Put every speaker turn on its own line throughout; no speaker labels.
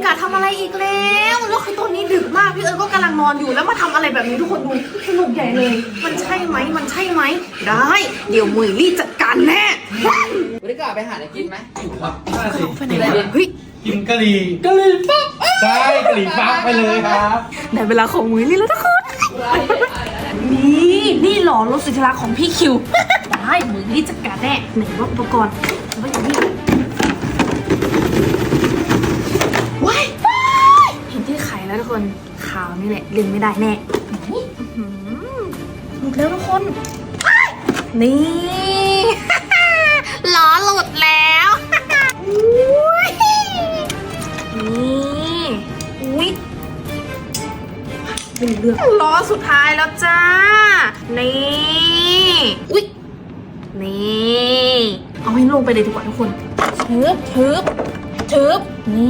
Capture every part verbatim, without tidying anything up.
กะทำอะไรอีกแล้วแล้วคือตอนนี้ดึกมากพี่เอิร์ธก็กำลังนอนอยู่แล้วมาทำอะไรแบบนี้ทุกคนดูสนุกใหญ่เลยมันใช่ไหมมันใช่ไหมได้เดี๋ยวมุยลี่จัดการแน่
วันนี้ก็ไปหาอะไรกินไหม
น่าสิ
ไปไหนกันเฮ้ย
กินกะหรี่
กะหรี่ปั๊บ
ใช่กะหรี่ปั๊บไปเลยครับ
ได้เวลาของมุยลี่แล้วทุกคนนี่นี่หล่อรถสุดที่รักของพี่คิวได้มุยลี่จัดการแน่ไหนว่าอุปกรณ์ว่าอย่างนี้ว้ายเห็นที่ไข่แล้วทุกคนขาวนี่แหละลืมไม่ได้แน่นี่หมดแล้วทุกคนนี่ ล้อหลุดแล้วอุ้ยนี่อุ้ยเป็นเรื่องล้อสุดท้ายแล้วจ้านี่อุ้ยนี่เอาให้ลงไปเลยดีกว่าทุกคนเชิบเชิบเชิบนี่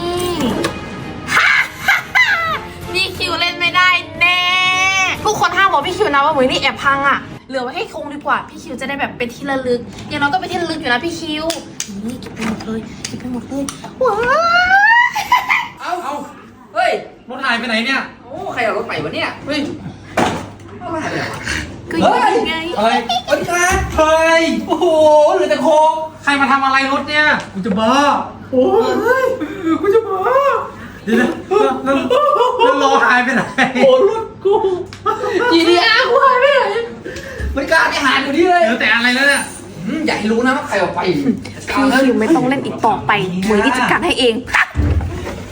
พี่คิวเล่นไม่ได้แน่ทุกคนห้ามบอกพี่คิวนะว่าเหมือนนี่แอบพังอ่ะเหลือไว้ให้คงดีกว่าพี่คิวจะได้แบบเป็นที่ระลึกอย่างน้อยก็เป็นที่ระลึกอยู่นะพี่คิวนี่เก็บไปหมดเลยเก็บไปหมดเลยว้าว
เอาเอาเฮ้ย
รถหายไปไหนเนี่ย
โอ้ใครเอารถไปวะเนี่ยเฮ้ยเอามาหายไปไหนวะ
ก็ยังไง
อะไร
สวัสดีครับ
เฮ้ย
โอ้โหเหลือแต่โคง
ใครมาทำอะไรรถเนี่ยกูจะบ้าโอ้ยกูจะบ้าเดี๋ยวนะแล้วแล้วล้อหายไปไหน
โอ้รถกูจีดีอาร์กูหายไปไหนไม่กล้าไปหาอยู่นี่เลย
เดี๋ยวแต่อะไรแล้วเนี่ย
อืมอย่าให้รู้นะว่าใครเอาไป
พี่คิวไม่ต้องเล่นอีกต่อไปเหมือนที่จัดการให้เอง